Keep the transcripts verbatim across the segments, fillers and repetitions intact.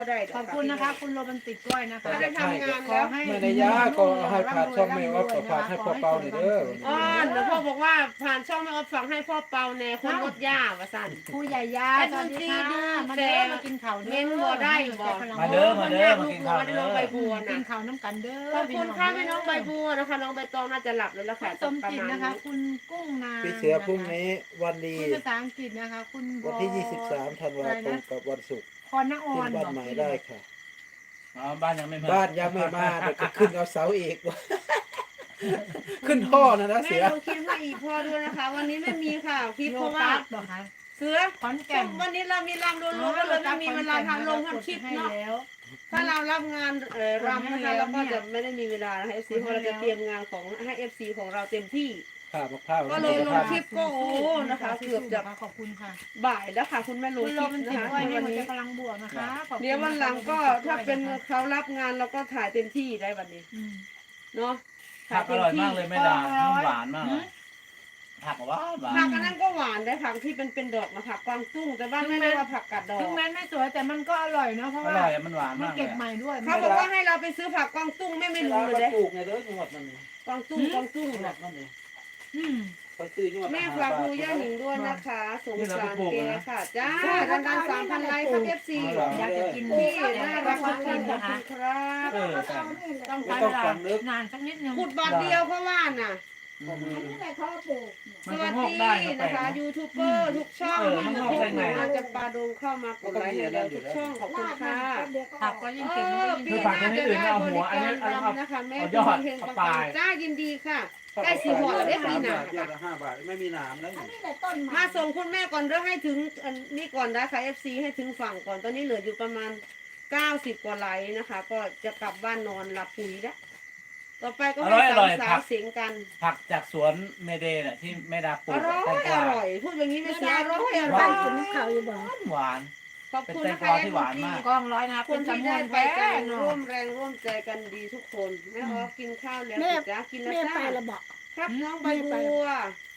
ได้ขอบคุณนะคะคุณโรแมนติกด้วยนะคะไม่ได้ทำงานแล้วให้ไม่ได้ยาก็ให้ผ่านช่องไม่ออฟก็ผ่านให้พ่อเปาหน่อยเด้ออ๋อเดี๋ยวพ่อบอกว่าผ่านช่องไม่ออฟฟังให้พ่อเปาแน่คนรถย่าว่าสั่นผู้ใหญ่ยาสวัสดีค่ะมาเด้อมากินข้าวเด้อเม้นบ่ได้บ่มาเด้อมาเด้อมากินข้าวลูเด้น้องใบอบัวกินะนข้าวน้ำกันเด้อขอบคุณค่ะพี่น้องใบบัวนะคะน้องใบตองน่าจะหลับแล้วล่ะคุค่ะณสมจิตนะคะ คุณกุ้งนางพี่เสือพรุ่งนี้วันดีคุณภาษาอังกฤษนะคะ คุณวันที่ยี่สิบสามธันวาคมกับวันศุกร์พรณอขึ้อน นบ้านใหม่ได้ค่ะอ๋อบ้านยังไม่มาบ้านยังไม่มาเดี๋ยวก็ขึ้นเอาเสาอีก ขึ้นท่อนะนะแม่เสือลงคลิปให้อีกพ่อด้วยนะคะ วันนี้ไม่มีค่ะคลิปโลเพราะว่าตัสเหรอคะเสือขอนแก่นวันนี้เรามีรำรวมๆก็เลยไม่มีเวลาทำลงทำคลิปเนาะแล้วถ้าเรารับงานเอ่อรำนะคะเราก็จะไม่ได้มีเวลาให้เอฟซีเพราะเราจะเตรียมงานของให้เอฟซีของเราเต็มที่ข้าวมะพร้าวก็เลยลงคลิปก็โอ้นะคะเกือบจะขอบคุณค่ะบ่ายแล้วค่ะคุณแม่ลงคุณคโรลิปแมนนะติกคะด้วยให้วันหัวใจนี้พลังบวกนะคะขอบคุณเดี๋ยววันหลังก็ถ้าเป็นเขารับงานเราก็ถ่ายเต็มที่ได้วันนี้อืมเนาะผักอร่อยมากเลยแม่ดาน้ำหวานมากเลยผักหวานหวาผักนอันนั้นก็หวานได้ผักที่เป็นเป็นดอกนะผักกวางตุ้งแต่ว่าไม่ได้ว่าผักกัดดอกถึงแม้ไม่สวยแต่มันก็อร่อยเนาะเพราะอว่าร่อยอะมันหวานมันมากเลเก็ยบใหม่ด้วยเขาบอกว่าให้เราไปซื้อผักกวางตุ้งแม่ไม่รู้เลยเด้เด้ปลูกไงเด้อจังหวัดมันกวางตุ้งกวางตุ้งจังหวันะดมันนี่อืมไปซื้อจังหวัดแม่ฝากดูย่าหนิงด้วยนะคะสงสารแกค่ะจ้าดันดันสามพันไลค์ครับเอฟซีอยากจะกินพี่ที่น่าน่ารัรักกทุทุกกคคน นขอบนะคะคุณครับเออแต่ต้องใช้เวลานานสักนิดนึงขุดบาทเดียวเพราะว่าน่ะมันสก็วัสงอกดีได้ครับนะคะยูทูบเบอร์ทุกช่องเออมันงอกได้ไงอาจจะปาดงเข้ามากดไลค์ให้เราทุกช่องขอบคุณค่ะผักก็ยิ่งเอเก็บมันอก็ยิ่งปีเก็บหน้าจะได้บริการรำนะคะแม่คุณเฮงปังปังจ้ายินดีค่ะใกล้สีหัวได้ปีหน้าเยอะละห้าบาทไม่มีหนามแล้วมาส่งคุณแม่ก่อนเรื่องให้ถึงอันนี้ก่อนนะคะ เอฟ ซี ให้ถึงฝั่งก่อนตอนนี้เหลืออยู่ประมาณเก้าสิบกว่าไลค์นะคะ ก็จะกลับบ้านนอนหลับปุ๋ยแล้วต่อไปก็ให้สาวสาวเสียงกันผักจากสวนเมเดย์น่ะที่แม่ดาปลูอก ร่อยแตงกอวาร่อยพูดอย่างนี้ไม่เสียอร่อยอหร่วาอน ยเขาอยู่บ้านหวานขอบคุณนะคะเป็นแตงกวาที่หวานมากกล้องร้อยนะครับคนที่ได้ไปแป้กันงร่วมแรงร่วมใจกันดีทุกคนแม่ออฟกินข้าวแล้วจ้ากินแล้วจ้าครับน้องใบบัว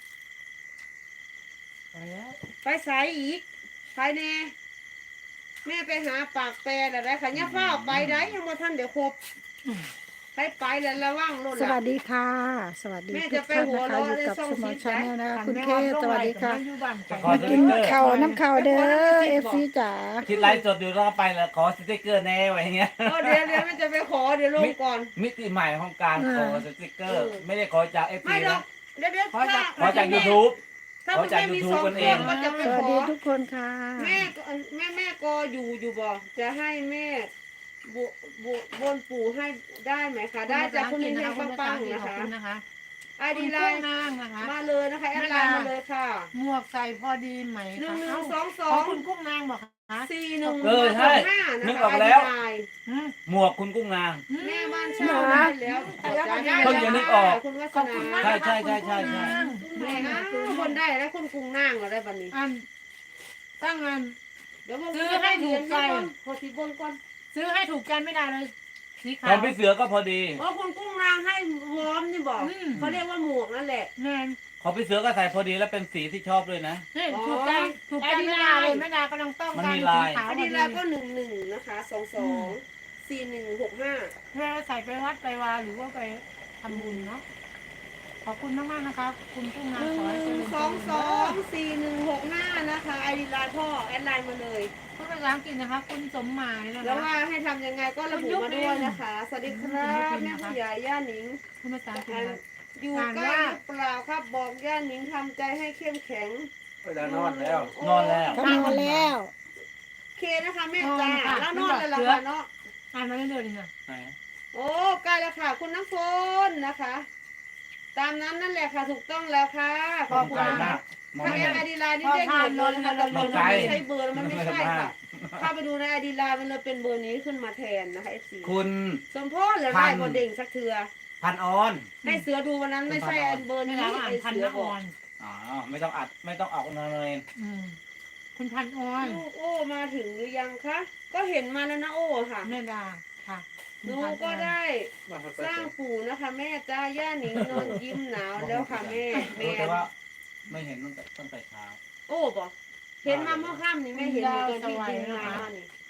ไปสายอีกไปแน่แม่ไปหาปากแปรอะไรค่ะเนี่ยเฝ้าไปได้ยังมาท่านเดี๋ยวครบไปไปแล้วระวังรถสวัสดีค่ะ สวัสดีแม่ทุจะกไปท่านหัวนะคะเราะอยู่ในกับช่องสมอซีชาแนลนะคะคุณเคสสวัสดีค่ะขอมาสกิติ๊นกเกอร์ข้าวน้ำข้าวเด้อเอฟซีจ๋าคิดไลฟ์สดอยู่แล้วก็ไปแล้วขอสติ๊กเกอร์แน่ไว้อย่างเงี้ยเออเดี๋ยวเดี๋ยวแม่จะไปขอเดี๋ยวลงก่อนมิติใหม่ของการขอสติ๊กเกอร์ ไม่ได้ขอจากเอฟไม่ซีหรอนะกเดี๋ยวเดี๋ยวขอจากถ้ขอจากยูทูบถ้าขอคุณจากแม่มี YouTube สองกันเคเอรื่อง งก็จะไปสวัสขดีอทุกคนค่ะแม่ก็แม่แม่ก็อยู่อยู่บ่จะให้แม่บบบนปู่ให้ได้ไหมคะ ได้จากคุณเฮงๆปังๆนะคะนะคะไอดีดีไลไลน์น์นางนะคะมาเลยนะคะแอดไลน์มาเลยค่ะหมวกใส่พอดีไหมหนึ่งหนึ่คะงสองสอของ คุณกุ้งนางบอกคะสี่หนึ่งเออใช่ห้านะนึกคะออกไอแล้ดีวไลน์อืมหมวกคุณกุ้งนางแม่บ้านเช่าได้แล้วเพิ่งจะนึกออกคุณวัขฒอบคุณมากนาใช่ใช่ใช่ใช่ใช่แม่นะคนได้แล้วคุณกรุงนั่งเราได้บันนี้อันตั้งอันเดี๋ยวผมซื้อให้ถูกใจพอทีบนก่อนซื้อให้ถูกกันไม่ได้เลยสีขขาองวพี่เสือก็พอดีเพราะคุณกุ้งนางให้วอร์มนี่บอกอืมเขาเรียกว่าหมวกนั่นแหละแมนของพี่เสือก็ใส่พอดีแล้วเป็นสีที่ชอบด้วยนะนี่ถูกใจถูกใจไม่ได้เลยไม่ได้กำลังต้องมันการมีสีลายขาวอันพอนี้ดีเราก็หนึ่งหนึ่งนะคะสองสองสี่หนึ่งหกห้าเวลาใส่ไปวัดไปวาหรือว่าไปทำบุญเนาะขอบคุณมากมากๆนะคะคุณกุ้งนางหนึ่ขอให้เจริงญสองสองสี่หนึ่งหกห้านะคะไอดีไลน์พ่อแอดไลน์มาเลยพูดภาษาอังกฤษนะคะ คุณสมหมายนะแล้วคะว่าให้ทำยังไงก็ระบุมาด้วยนะคะ สวัสดีครับแม่ผู้ใหญ่ย่าหนิงพูดภาษาอังกฤษนะคะอยู่ใกล้หรือเปล่าครับบอกย่าหนิงทำใจให้เข้มแข็งเวลานอนแล้วนอนแล้วทำมาแล้วเคนะคะแม่จ้าแล้วนอนเลยล่ะค่ะเนาะอ่านมาเรื่อยๆนี่ค่ะไหนโอ้ใกล้แล้วค่ะ คุณน้ำฝนนะคะ ตามนั้นนั่นแหละค่ะถูกต้องแล้วค่ะขอบคุณไกลค่ะมากมองถ้าไม่แอเห็ดนไอดีไลน์นี่เด้งหมดเลยนะคะแต่เบอร์มันไม่ใช่เบอร์มันไม่ใช่ค่ะถ้าไปดูในไอดีไลน์มันเลยเป็นเบอร์นี้ขึ้นมาแทนนะคะเอฟซีคุณสมโพธิเหลือได้บนเด้งสักเทือพันออนให้เสือดูวันนั้นไม่ใช่เบอร์ไม่นี้แล้วอ่านไอพันเสือละบออกอนอ๋อไม่ต้องอัดไม่ต้องออกนอนเลยอืมคุณพันออนลูกโอ้มาถึงหรือยังคะก็เห็นมาแล้วนะโอ้ค่ะแม่ดาค่ะหนูก็ได้สร้างปู่นะคะ แม่จ้าย่าหนิงนอนยิ้มหนาวแล้วค่ะแม่แม่รู้แต่ว่าไม่เห็นตั้งแต่ตั้งแต่เช้าโอ้บอกเห็นมาเมื่อค่ำนี่แม่เห็นอยู่ตอนที่กินมานี่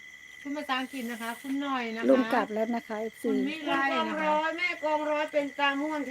คุณภาษาอังกฤษนะคะ คุณหน่อยนะคะลุงกลับแล้วนะคะเอฟคุซีณวิไลคุณกองนะคะร้อยแม่กองร้อยเป็นตาม่วน